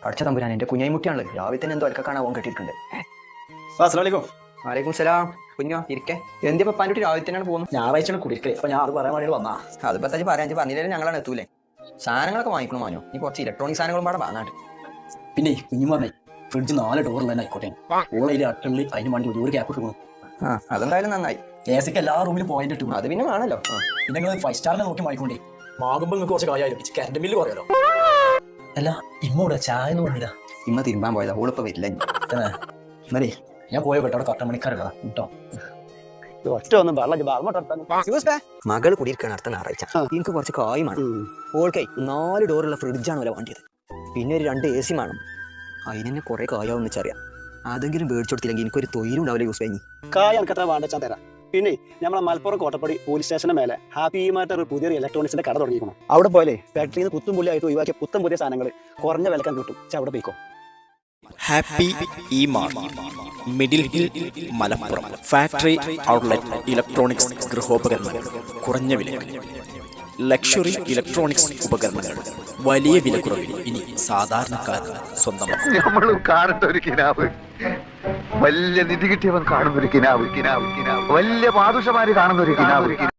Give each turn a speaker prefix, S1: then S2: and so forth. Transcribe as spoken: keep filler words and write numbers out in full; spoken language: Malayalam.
S1: അടച്ച തമ്പുരാൻ എന്റെ കുഞ്ഞായിമുട്ടിയാണല്ലോ രാവിലെ തന്നെ എന്തോ അലക്ക കാണാൻ കെട്ടിയിട്ടുണ്ട്. വലൈക്കും സലാം. കുഞ്ഞോ ഇരിക്കെ എന്തിപ്പോ പപ്പാൻ്റെ കുട്ടി രാവിലെ തന്നെയാണ് പോകുന്നത്.
S2: ഞായറാഴ്ച കുടിക്കേ അപ്പൊ ഞാൻ അത് പറയാൻ വേണ്ടി വന്നാ.
S1: അത് പത്താച്ച് പറയാൻ പറഞ്ഞില്ലേ ഞങ്ങളാണ് എത്തൂലേ. സാധനങ്ങളൊക്കെ വാങ്ങിക്കണം മാനോ. നീ കുറച്ച് ഇലക്ട്രോണിക് സാധനങ്ങളും പാടെ വാങ്ങാണ്ട്.
S2: പിന്നെ കുഞ്ഞു പറഞ്ഞേ ഫ്രിഡ്ജ് നാല് ഡോറിൽ തന്നെ ആയിക്കോട്ടെ. ഓളയിൽ അട്ടുള്ളിൽ അതിന് വേണ്ടി ഒരു ഗ്യാപ്പ് ഇട്ടു.
S1: ആ അതെന്തായാലും നന്നായി.
S2: എ സിക്ക് എല്ലാ റൂമിലും പോയിന്റ് ഇട്ടു.
S1: അത് പിന്നെ വേണല്ലോ.
S2: പിന്നെ നിങ്ങൾ ഫൈവ് സ്റ്റാറിനെ നോക്കി വാങ്ങിക്കൊണ്ടേ വാങ്ങുമ്പോൾ നിങ്ങൾക്ക് കുറച്ച് കാര്യമായാലും കറണ്ട് ബില്ല് കുറയാലോ. അല്ല ഇമ്മൂടെ ചായ എന്ന് പറഞ്ഞില്ല.
S1: ഇമ്മ തിരുമ്പാൻ പോയതാ. ഓളിപ്പോ വരില്ല.
S2: എന്നേ ഞാൻ പോയ കേട്ടോ അവിടെ കട്ട മണിക്കാരല്ല കേട്ടോ.
S1: മകള് കുടിയിരിക്കണം അടുത്ത ഞായറാഴ്ച. എനിക്ക് കുറച്ച് കായുമാണ്. ഓൾക്കേ നാല് ഡോറുള്ള ഫ്രിഡ്ജാണ് വില വേണ്ടിയത്. പിന്നെ ഒരു രണ്ട് എ സി വേണം. അതിന് തന്നെ കുറെ കായാവെന്ന് വെച്ചറിയാം. അതെങ്കിലും മേടിച്ചു കൊടുത്തില്ലെങ്കിൽ എനിക്കൊരു തൊഴിലും ഉണ്ടാവില്ല. യൂസ് കഴിഞ്ഞ്
S3: കായ എനിക്കത്ര വേണ്ട തരാം. പിന്നെ നമ്മളെ മലപ്പുറം കോട്ടപ്പടി പോലീസ് സ്റ്റേഷന് മേലെ ഹാപ്പി മാറ്റർ ഒരു പുതിയൊരു ഇലക്ട്രോണിക്സിന്റെ കട തുടങ്ങിയിരിക്കണം. അവിടെ പോലെ ഫാക്ടറിയിൽ നിന്ന് പുത്തും പുള്ളിയായിട്ട് ഒഴിവാക്കിയ പുത്തൻ പുതിയ സാധനങ്ങൾ കുറഞ്ഞ വിലക്കാൻ കിട്ടും. അവിടെ പോയിക്കോ.
S4: Happy e mart, middle hill, Malappuram. Factory outlet electronics ഗൃഹോപകരണങ്ങൾ കുറഞ്ഞ വിലയിൽ. ലക്ഷറി ഇലക്ട്രോണിക്സ് ഉപകരണങ്ങൾ വലിയ വിലക്കുറവിൽ ഇനി സാധാരണക്കാർക്ക് സ്വന്തമാക്കും.
S5: നമ്മളും കാണുന്ന ഒരു കിനാവ്, വലിയ നിധി കിട്ടിയവൻ കാണുന്ന ഒരു കിനാവ്, കിനാവ് കിനാവ് വലിയ പാദുഷമാര് കാണുന്ന ഒരു കിനാവ്.